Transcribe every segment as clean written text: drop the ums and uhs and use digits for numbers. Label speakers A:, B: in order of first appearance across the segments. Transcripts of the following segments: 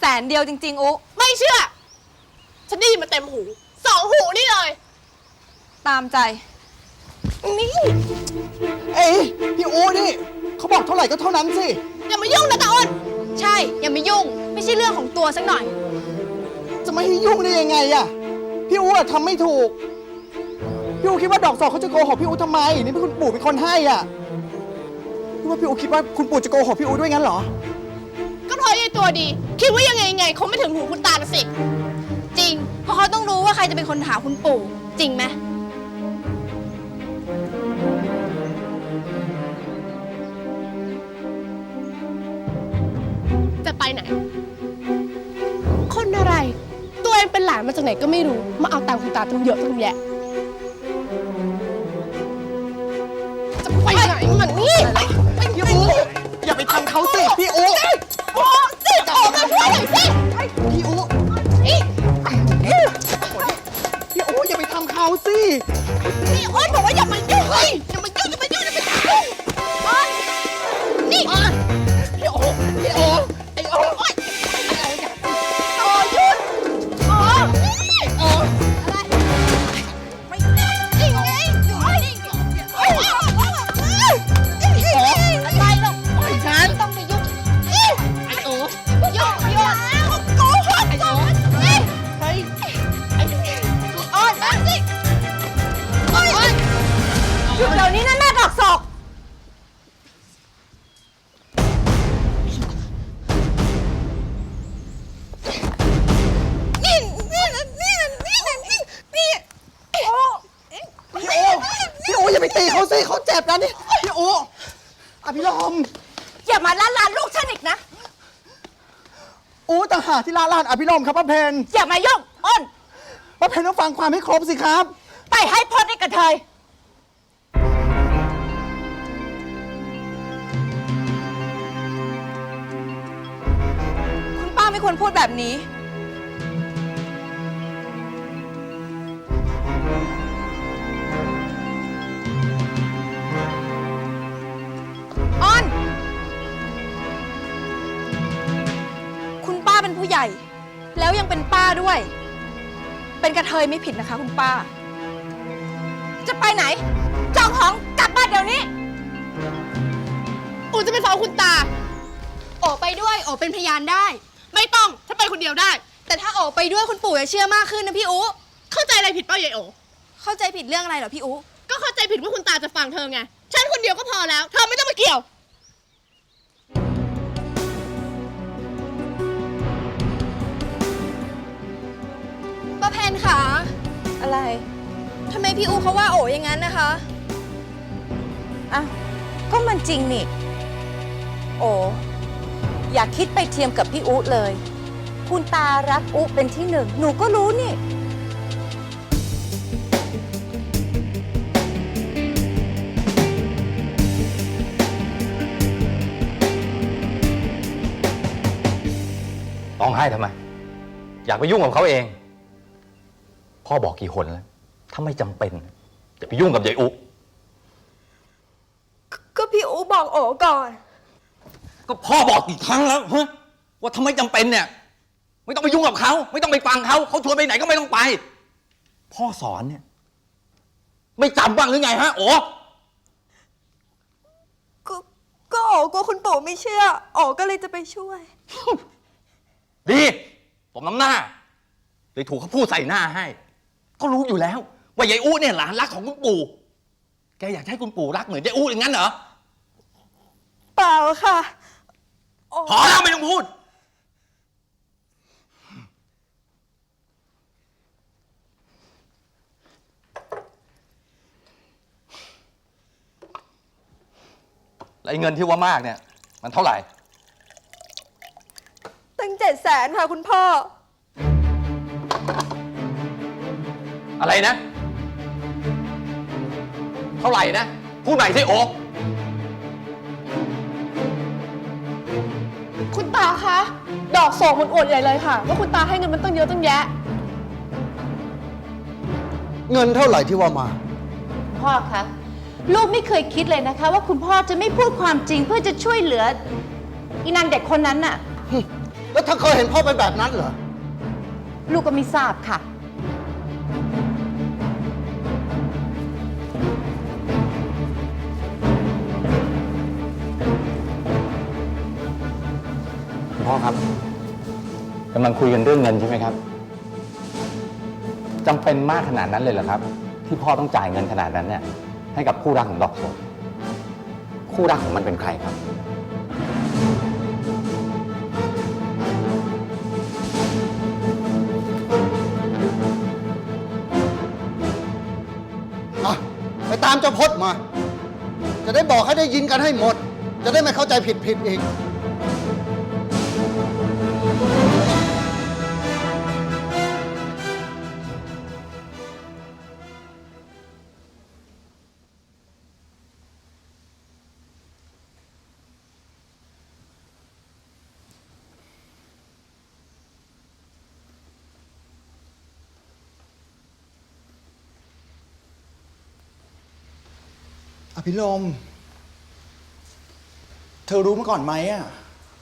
A: 100,000จริงๆอุ๊
B: ไม่เชื่อฉันได้ยินมาเต็มหู2 หูนี่เลย
A: ตามใจ
B: นี่
C: เอ้ยพี่อูนี่เขาบอกเท่าไหร่ก็เท่านั้นสิ
B: อย่ามายุ่งนะตาอ้น
A: ใช่อย่ามายุ่งไม่ใช่เรื่องของตัวสักหน่อย
C: จะไม่ให้ยุ่งได้ยังไงอะพี่อูทำไม่ถูกพี่อูคิดว่าดอกสอกเขาจะโกหกพี่อูทำไมนี่เป็นคุณปู่เป็นคนให้อ่ะพี่ว่าพี่อูคิดว่าคุณปู่จะโกหกพี่อูด้วยงั้นเหรอ
B: ก็เพราะไอ้ตัวดีคิดว่ายังไงคงไม่ถึงหูคุณตาละสิ
A: จริงเพราะเขาต้องรู้ว่าใครจะเป็นคนหาคุณปู่จริงไหม
B: จะไปไหนคนอะไรตัวเองเป็นหลานมาจากไหนก็ไม่รู้มาเอาตังค์คุณตาตั้งเยอะตั้งแยะจะไปไหนมันนี่
C: พี่อูอย่าไปทำเขาสิพี่อู
B: โอ้สิออกมาช่วยหน่อยสิ
C: พี่อูพี่อูอย่าไปทำเขาสิ
B: พี่อ้นบอกว่าอย่ามายุ่งอย่ามายุ่งนี่พี่โอไอ้โอหยุดอะไรไม่นิ่งไงอยู่นิ่งอะไรหรอกฉันต้องไปยุ่งไอ้โอยุ่งโกหกไอ้โอเฮ้ยไอ้อ้อนมาสิ
A: หยุดเดี๋ยวนี้นะแม่ดอกศอก
C: พี่อูอย่าไปตีเขาสิเขาเจ็บนะนี่พี่อูอภิรม
A: อย่ามาล้านลูกฉันอีกนะ
C: อูต่างหากที่ลาลานอภิรมครับป้าเพน
A: อย่ามายุ่งอ้น
C: ป้าเพนต้องฟังความให้ครบสิครับ
A: ไปให้พ้นไอ้กระเทยคุณป้าไม่ควรพูดแบบนี้อ้อนคุณป้าเป็นผู้ใหญ่แล้วยังเป็นป้าด้วยเป็นกระเทยไม่ผิดนะคะคุณป้าจะไปไหนจองของกลับบ้านเดี๋ยวนี้
B: อูจะไปฟ้องคุณตา
A: โอไปด้วยโอเป็นพยานได้
B: ไม่ต้องถ้าไปคนเดียวได้
A: แต่ถ้าโอไปด้วยคุณปู่จะเชื่อมากขึ้นนะพี่อู๋
B: เข้าใจอะไรผิดเปล่ายายโอ
A: เข้าใจผิดเรื่องอะไรเหรอพี่อู๋
B: ก็เข้าใจผิดว่าคุณตาจะฟังเธอไงฉันคนเดียวก็พอแล้วเธอไม่ต้องมาเกี่ยว
A: ป้าเพนค่ะอะไรทำไมพี่อู๋เขาว่าโออย่างนั้นนะคะ
D: อ้าวก็มันจริงนี่โอ้อย่าคิดไปเทียมกับพี่อุ๊เลยคุณตารักอุ๊เป็นที่หนึ่งหนูก็รู้นี่
E: ร้องไห้ทำไมอยากไปยุ่งกับเขาเองพ่อบอกกี่คนแล้วถ้าไม่จำเป็นอย่าไปยุ่งกับยายอุ๊
A: ก็พี่อู๋บอกโอก่อน
E: ก็พ่อบอกกี่ครั้งแล้วฮะว่าทำไมจำเป็นเนี่ยไม่ต้องไปยุ่งกับเขาไม่ต้องไปฟังเขาชวนไปไหนก็ไม่ต้องไปพ่อสอนเนี่ยไม่จำบ้างหรือไงฮะโอ้
A: ก็โอกลัวคุณปู่ไม่เชื่อโอก็เลยจะไปช่วย
E: ดีผมน้ำหน้าเลยถูกเขาพูดใส่หน้าให้ก็รู้อยู่แล้วว่ายายอู้เนี่ยหลานรักของคุณปู่แกอยากให้คุณปู่รักเหมือนยายอู้อย่างนั้นเหรอ
A: เปล่าค่ะ
E: พอแล้วไม่ต้องพูดแล้วเงินที่ว่ามากเนี่ยมันเท่าไหร่
A: ตั้ง700,000ค่ะคุณพ่อ
E: อะไรนะเท่าไหร่นะพูดใหม่สิโอ๊
B: คุณตาคะดอกโศกมันอวดใหญ่เลยค่ะว่าคุณตาให้เงินมันตั้งเยอะตั้งแยะ
C: เงินเท่าไหร่ที่ว่ามา
D: พ่อคะลูกไม่เคยคิดเลยนะคะว่าคุณพ่อจะไม่พูดความจริงเพื่อจะช่วยเหลืออีนางเด็กคนนั้นน่ะ
F: แล้วเธอเคยเห็นพ่อเป็นแบบนั้นเหรอ
D: ลูกก็ไม่ทราบค่ะ
E: พ่อครับกำลังคุยกันเรื่องเงินใช่ไหมครับจำเป็นมากขนาดนั้นเลยเหรอครับ ที่พ่อต้องจ่ายเงินขนาดนั้นเนี่ยให้กับคู่รักของดอกโสดคู่รักของมันเป็นใครครับ
F: อ่ะ ไปตามเจ้าพจน์มา จะได้บอกให้ได้ยินกันให้หมด จะได้ไม่เข้าใจผิดอีก
C: อภิรมย์เธอรู้มาก่อนไหมอ่ะ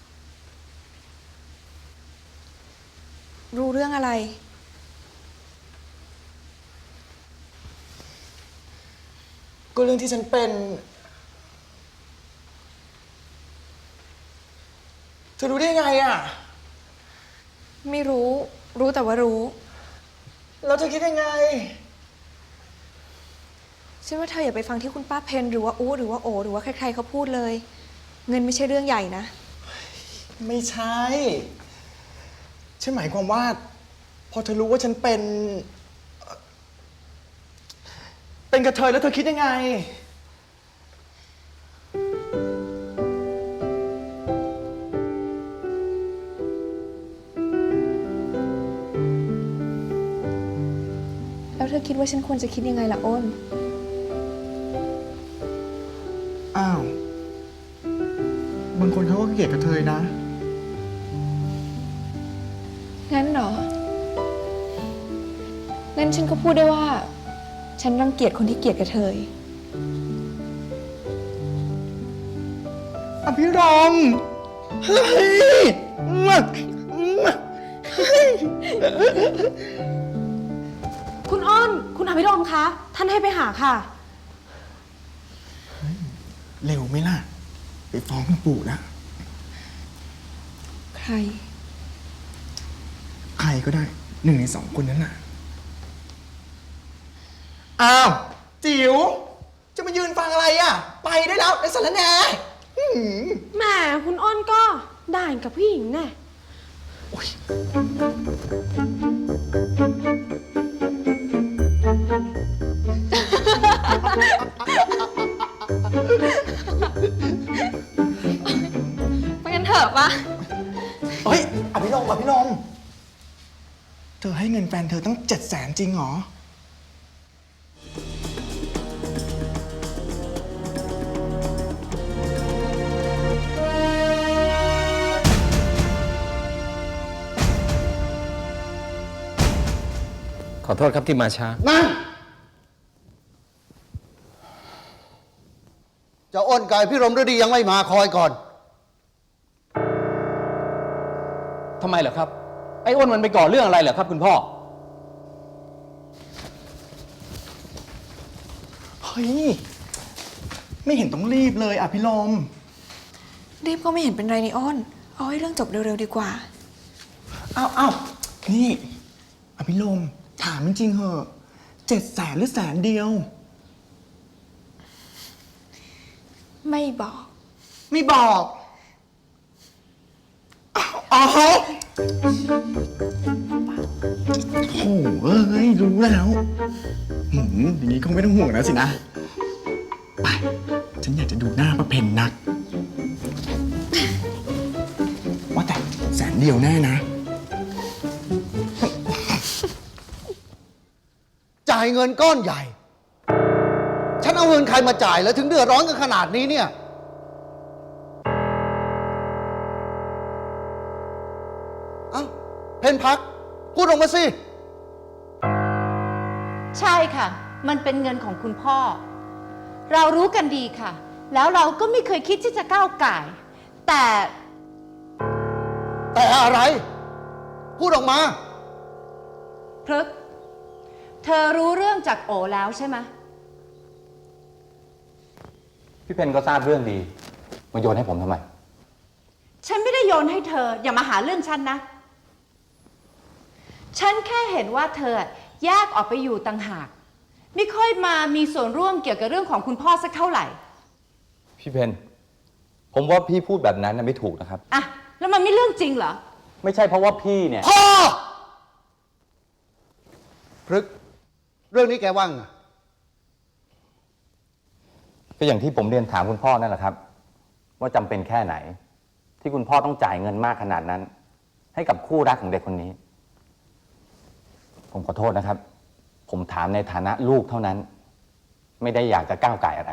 A: รู้เรื่องอะไร
C: ก็เรื่องที่ฉันเป็น เธอรู้ได้ไงอ่ะ
A: ไม่รู้ รู้แต่ว่ารู้
C: แล้วเธอคิดยังไง
A: ฉันว่าเธออย่าไปฟังที่คุณป้าเพนหรือว่าอู้หรือว่าโอหรือว่าใครๆเขาพูดเลย เงินไม่ใช่เรื่องใหญ่นะ
C: ไม่ใช่ ฉันหมายความว่า พอเธอรู้ว่าฉันเป็นกระเทยแล้วเธอคิดยังไง
A: แล้วเธอคิดว่าฉันควรจะคิดยังไงล่ะอ้น
C: อ้าว บางคนเขาก็เกลียดกระเทยนะ
A: งั้นเหรอ งั้นฉันก็พูดได้ว่า ฉันรังเกียจคนที่เกลียดกระเทย
C: อภิรมย์เฮ้ย
G: คุณอ้น คุณอภิรมย์คะ ท่านให้ไปหาค่ะ
C: เร็วไหมล่ะ ไปฟ้องคุณปู่นะ
A: ใคร
C: ใครก็ได้ 1 ใน 2 คนนั้นน่ะ อ้าว จิ๋ว จะมายืนฟังอะไรอ่ะ ไปได้แล้วไอ้สารแหน่อื้อหือ
G: แหม คุณอ้นก็ด่านกับผู้หญิงแน่
C: โอ๊ย
A: ไปกันเถอะปะ
C: เฮ้ย อภิรมย์เธอให้เงินแฟนเธอตั้ง700,000จริงเหรอ
E: ขอโทษครับที่มาช้า
F: นั่นเจ้าอ้นกับพี่รมฤดียังไม่มาคอยก่อน
E: ทำไมเหรอครับ ไอ้อ้นมันไปก่อเรื่องอะไรเหรอครับคุณพ่อ
C: เฮ้ย ไม่เห็นต้องรีบเลยอภิรมย์
A: รีบก็ไม่เห็นเป็นไรนี่อ้น เอาให้เรื่องจบเร็วๆดีกว่า
C: อ้าว นี่ อภิรมย์ถามจริงๆเหอะ700,000หรือ100,000
A: ไม่บอก
C: ไม่บอกอ๋อโอ้เอ้ย รู้แล้วอย่างนี้คงไม่ต้องห่วงแล้วสินะ ไป ฉันอยากจะดูหน้าป้าเพนนัก ว่าแต่100,000แน่นะ
F: จ่ายเงินก้อนใหญ่ ฉันเอาเงินใครมาจ่ายแล้วถึงเดือดร้อนกันขนาดนี้เนี่ย เอ้า เพนพัก พูดออกมาสิ
D: ใช่ค่ะ มันเป็นเงินของคุณพ่อ เรารู้กันดีค่ะ แล้วเราก็ไม่เคยคิดที่จะก้าวก่าย แต่
F: แต่อะไร พูดออกมา
D: พฤกษ์เธอรู้เรื่องจากโอแล้วใช่ไหม
E: พี่เพนก็ทราบเรื่องดี มาโยนให้ผมทำไม
D: ฉันไม่ได้โยนให้เธอ อย่ามาหาเรื่องฉันนะ ฉันแค่เห็นว่าเธอแยกออกไปอยู่ต่างหาก ไม่ค่อยมามีส่วนร่วมเกี่ยวกับเรื่องของคุณพ่อสักเท่าไหร่
E: พี่เพนผมว่าพี่พูดแบบนั้นไม่ถูกนะครับ
D: อะแล้วมันไม่เรื่องจริงเหรอ
E: ไม่ใช่เพราะว่าพี่เนี่ย
F: พ่อพฤกษ์เรื่องนี้แกว่างอะ
E: ก็อย่างที่ผมเรียนถามคุณพ่อนั่นแหละครับ ว่าจำเป็นแค่ไหน ที่คุณพ่อต้องจ่ายเงินมากขนาดนั้น ให้กับคู่รักของเด็กคนนี้ ผมขอโทษนะครับ ผมถามในฐานะลูกเท่านั้น ไม่ได้อยากจะก้าวไก่อะไร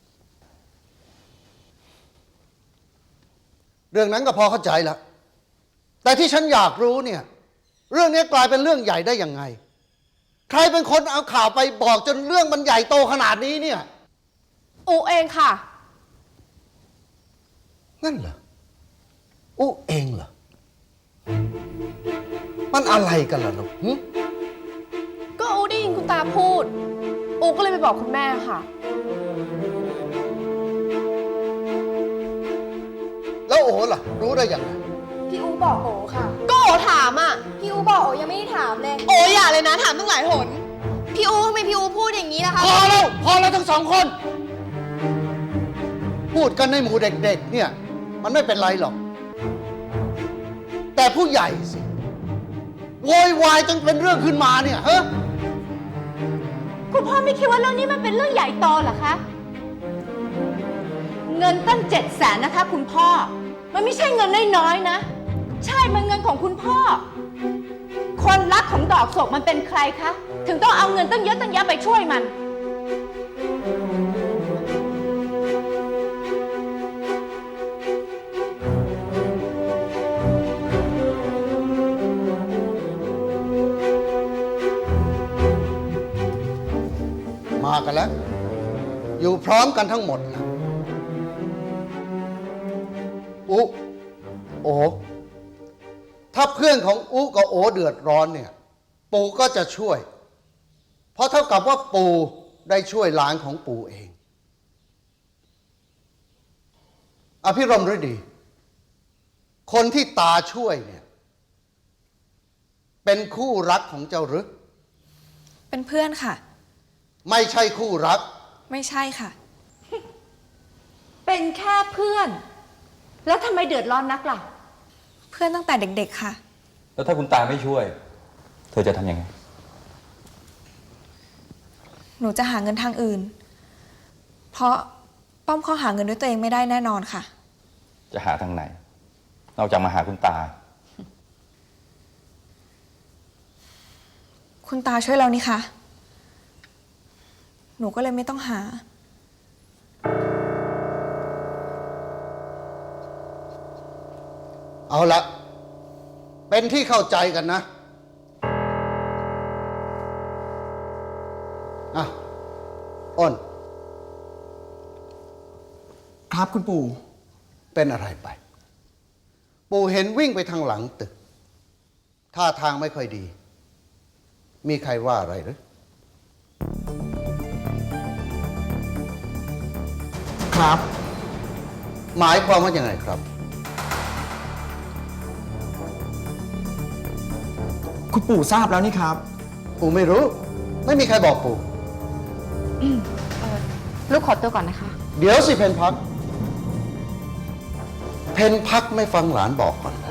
F: เรื่องนั้นก็พอเข้าใจแล้ว แต่ที่ฉันอยากรู้เนี่ย เรื่องนี้กลายเป็นเรื่องใหญ่ได้ยังไง ใครเป็นคนเอาข่าวไปบอกจนเรื่องมันใหญ่โตขนาดนี้เนี่ย
G: อูเองค่ะ
F: นั่นเหรออู้เองเหรอ มันอะไรกันล่ะลูกหึ
G: ก็อูได้ยินคุณตาพูด อูก็เลยไปบอกคุณแม่ค่ะ
F: แล้วโอ๋ล่ะ รู้ได้ยังไง
H: พี่อูบอกโอค่ะ ก็โอถามอ่ะ พี่อูบอกโอยังไม่ได้ถามเลย
A: โอ้อย่าเลยนะถามตั้งหลายหน
H: พี่อูทำไมพี่อูพูดอย่างนี้ล่ะคะ
F: พอแล้วทั้งสองคน พูดกันในหมู่เด็กๆเนี่ย มันไม่เป็นไรหรอก แต่ผู้ใหญ่สิโวยวายจนเป็นเรื่องขึ้นมาเนี่ยฮะ
D: คุณพ่อไม่คิดว่าเรื่องนี้มันเป็นเรื่องใหญ่โตเหรอคะ เงินตั้ง700,000นะคะคุณพ่อ มันไม่ใช่เงินน้อยๆนะ ใช่ มันเงินของคุณพ่อ คนรักของดอกโศกมันเป็นใครคะ ถึงต้องเอาเงินตั้งเยอะตั้งแยะไปช่วยมัน
F: มากันแล้ว อยู่พร้อมกันทั้งหมดนะอุโอถ้าเพื่อนของอุกับโอเดือดร้อนเนี่ย ปู่ก็จะช่วย เพราะเท่ากับว่าปู่ได้ช่วยหลานของปู่เอง อภิรมย์ฤดี คนที่ตาช่วยเนี่ย เป็นคู่รักของเจ้าหรือ
A: เป็นเพื่อนค่ะ
F: ไม่ใช่คู่รัก
A: ไม่ใช่ค่ะ
D: เป็นแค่เพื่อน แล้วทำไมเดือดร้อนนักล่ะ
A: เพื่อนตั้งแต่เด็กๆค่ะ
E: แล้วถ้าคุณตาไม่ช่วย เธอจะทำยังไง
A: หนูจะหาเงินทางอื่น เพราะป้อมเขาหาเงินด้วยตัวเองไม่ได้แน่นอนค่ะ
E: จะหาทางไหน นอกจากมาหาคุณตา
A: คุณตาช่วยเรานี่คะ หนูก็เลยไม่ต้องหา
F: เอาละ เป็นที่เข้าใจกันนะ อ่ะ อ้น
C: ครับคุณปู่
F: เป็นอะไรไป ปู่เห็นวิ่งไปทางหลังตึก ท่าทางไม่ค่อยดี มีใครว่าอะไรหรือ
C: ครับ
F: หมายความว่ายังไงครับ
C: คุณปู่ทราบแล้วนี่ครับ
F: ปู่ไม่รู้ ไม่มีใครบอกปู่
G: ลูกขอตัวก่อนนะคะ
F: เดี๋ยวสิเพนพัก เพนพักไม่ฟังหลานบอกก่อนนะ